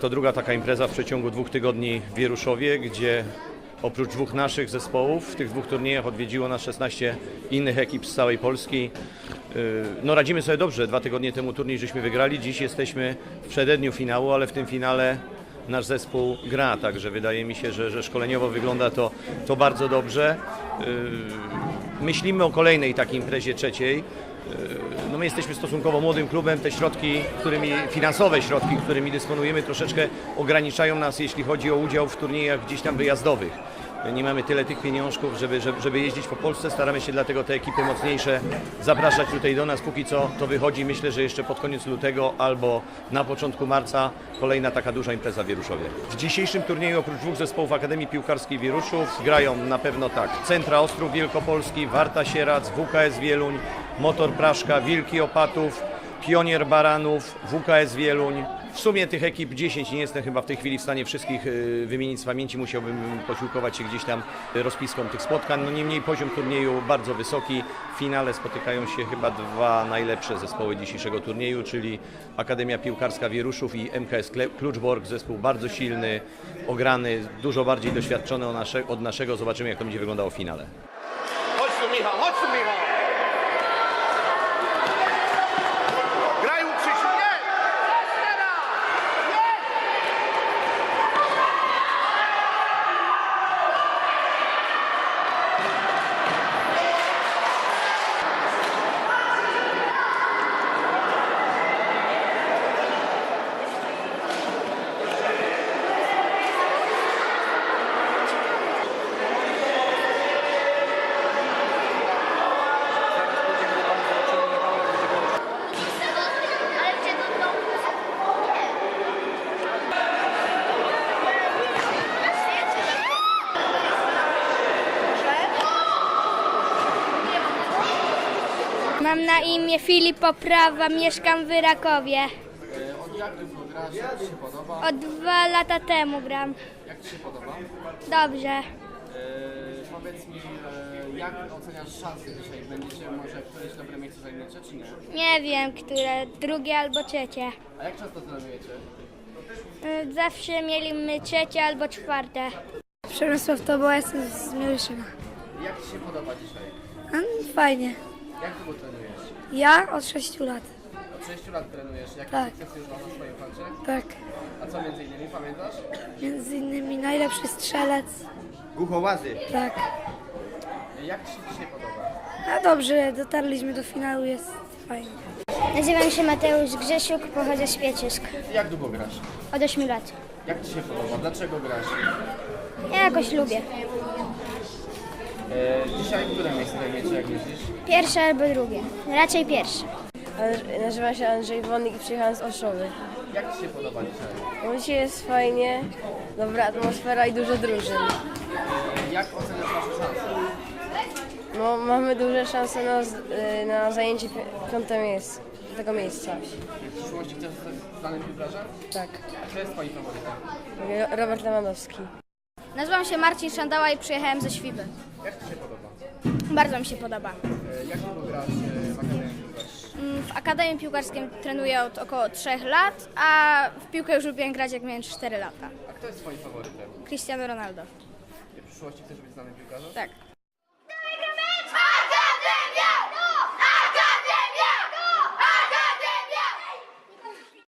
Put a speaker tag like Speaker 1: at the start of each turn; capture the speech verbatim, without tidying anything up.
Speaker 1: to druga taka impreza w przeciągu dwóch tygodni w Wieruszowie, gdzie oprócz dwóch naszych zespołów w tych dwóch turniejach odwiedziło nas szesnaście innych ekip z całej Polski. No radzimy sobie dobrze, dwa tygodnie temu turniej żeśmy wygrali, dziś jesteśmy w przededniu finału, ale w tym finale nasz zespół gra, także wydaje mi się, że, że szkoleniowo wygląda to, to bardzo dobrze. Myślimy o kolejnej takiej imprezie trzeciej. No my jesteśmy stosunkowo młodym klubem, te środki, którymi, finansowe środki, którymi dysponujemy, troszeczkę ograniczają nas, jeśli chodzi o udział w turniejach gdzieś tam wyjazdowych. Nie mamy tyle tych pieniążków, żeby, żeby jeździć po Polsce, staramy się dlatego te ekipy mocniejsze zapraszać tutaj do nas. Póki co to wychodzi, myślę, że jeszcze pod koniec lutego albo na początku marca kolejna taka duża impreza w Wieruszowie. W dzisiejszym turnieju oprócz dwóch zespołów Akademii Piłkarskiej Wieruszów grają na pewno tak: Centra Ostrów Wielkopolski, Warta Sierac, W K S Wieluń, Motor Praszka, Wilki Opatów, Pionier Baranów, W K S Wieluń. W sumie tych ekip dziesięć, nie jestem chyba w tej chwili w stanie wszystkich wymienić z pamięci, musiałbym posiłkować się gdzieś tam rozpiską tych spotkań. No niemniej poziom turnieju bardzo wysoki. W finale spotykają się chyba dwa najlepsze zespoły dzisiejszego turnieju, czyli Akademia Piłkarska Wieruszów i M K S Kluczbork. Zespół bardzo silny, ograny, dużo bardziej doświadczony od naszego. Zobaczymy, jak to będzie wyglądało w finale.
Speaker 2: Chodź tu, Michał, chodź tu, Michał!
Speaker 3: Mam na imię Filip Oprawa, mieszkam w Rakowie.
Speaker 4: Od jak długo grasz? Jak Ci się podoba?
Speaker 3: Od dwa lata temu gram.
Speaker 4: Jak Ci się podoba?
Speaker 3: Dobrze.
Speaker 4: E, powiedz mi, e, jak oceniasz szanse dzisiaj? Będziecie może któreś dobre miejsce zajmiecie, czy nie?
Speaker 3: Nie wiem, które, drugie albo trzecie.
Speaker 4: A jak często trenujecie?
Speaker 3: Y, Zawsze mieliśmy trzecie albo czwarte.
Speaker 5: Przemysław Toboła, jestem z Mieliszyna.
Speaker 4: Jak Ci się podoba dzisiaj?
Speaker 5: A, fajnie.
Speaker 4: Jak długo trenujesz?
Speaker 5: Ja od sześciu lat.
Speaker 4: Od sześciu lat trenujesz. Jakie
Speaker 5: Tak.
Speaker 4: sukcesy już masz na swoim koncie?
Speaker 5: Tak.
Speaker 4: A co między innymi pamiętasz?
Speaker 5: Między innymi najlepszy strzelec.
Speaker 1: Głuchołazy.
Speaker 5: Tak.
Speaker 4: Jak Ci się dzisiaj podoba?
Speaker 5: A dobrze, dotarliśmy do finału, jest fajnie.
Speaker 3: Nazywam się Mateusz Grzesiuk, pochodzę z Pieczysk.
Speaker 4: Jak długo grasz?
Speaker 3: Od ośmiu lat.
Speaker 4: Jak Ci się podoba? Dlaczego grasz?
Speaker 3: Ja jakoś lubię.
Speaker 4: E, dzisiaj które miejsce zajmiecie, jak myślisz?
Speaker 3: Pierwsze albo drugie. Raczej pierwsze.
Speaker 6: Nazywam się Andrzej Wonik i przyjechałem z Oszowy.
Speaker 4: Jak Ci się podoba dzisiaj?
Speaker 6: No dzisiaj jest fajnie, dobra atmosfera i dużo drużyn.
Speaker 4: Jak oceniasz nasze szanse?
Speaker 6: No, mamy duże szanse na, z- y, na zajęcie pi- piąte miejsce, tego miejsca.
Speaker 4: W przyszłości chcesz zostać znanym piłkarzem?
Speaker 6: Tak.
Speaker 4: A kto jest Twoim faworytem?
Speaker 6: Ro- Robert Lewandowski.
Speaker 3: Nazywam się Marcin Szandała i przyjechałem ze Świby.
Speaker 4: Jak Ci się podoba?
Speaker 3: Bardzo mi się podoba.
Speaker 4: E, Jak długo grasz e, w Akademii Piłkarskiej?
Speaker 3: W Akademii Piłkarskiej trenuję od około trzech lat, a w piłkę już lubiłem grać jak miałem cztery lata.
Speaker 4: A kto jest Twoim faworytem?
Speaker 3: Cristiano Ronaldo.
Speaker 4: W przyszłości chcesz być znanym piłkarzem?
Speaker 3: Tak.